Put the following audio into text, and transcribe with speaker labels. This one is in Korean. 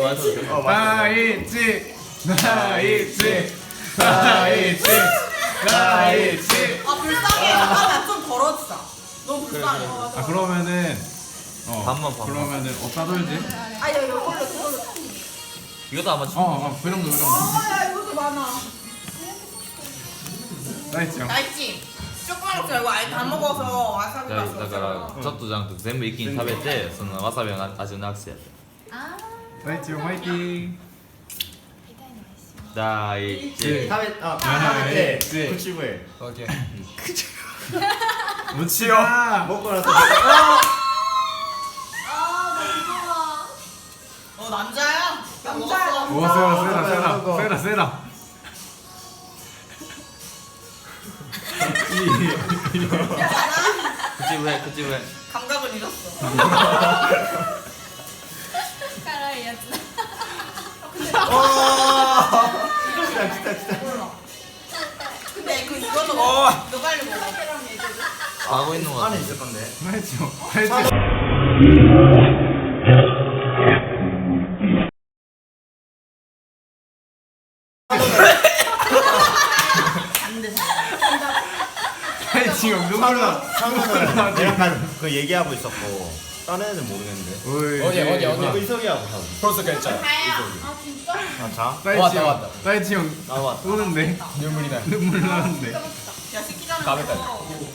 Speaker 1: 다이치
Speaker 2: 아 불쌍해. 잠깐만 좀 덜어주자. 너무 불쌍해.
Speaker 1: 아 그러면은
Speaker 3: 반만.
Speaker 1: 그러면은 어디다 돌지?
Speaker 2: 아야 이걸로.
Speaker 3: 이것도 아마
Speaker 1: 그 정도
Speaker 2: 아야 이것도 많아.
Speaker 1: 다이치 형
Speaker 2: 날지. 조그만 거 말고 아예 다 먹어서 와사비
Speaker 3: だ
Speaker 2: 맛이
Speaker 3: からちょっとじゃなくて全部一気に食べてそのわさびの味をなくすやつ
Speaker 1: 다이치 형 화이팅
Speaker 3: 第一
Speaker 1: 네.
Speaker 4: 食べて口笛
Speaker 1: 오케이 무치요
Speaker 4: 먹고 나서
Speaker 2: 남자야? 남자야.
Speaker 1: 오 세라 세라
Speaker 3: 口笛
Speaker 2: 감각을 잃었어.
Speaker 5: 辛いやつだ
Speaker 2: 근데 그 이거도 먹어. 너 빨리 먹어.
Speaker 3: 가고 있는 거 같아
Speaker 4: 안에 있을 건데
Speaker 1: 다이치 형 다이치 다이치 형 눈물 나
Speaker 4: 상관은 내가 그 얘기하고 있었고 다른 애는 모르겠는데
Speaker 6: 어디?
Speaker 4: 의석이하고 하고
Speaker 6: 벌써 그랬잖아.
Speaker 2: 아 진짜?
Speaker 4: 아 자?
Speaker 1: 다이치 형
Speaker 6: 왔다.
Speaker 1: 다이치 형
Speaker 4: 나왔다
Speaker 1: 우는데
Speaker 6: 눈물이 나.
Speaker 1: 눈물 나는데
Speaker 2: 야 시키잖아.
Speaker 6: 가면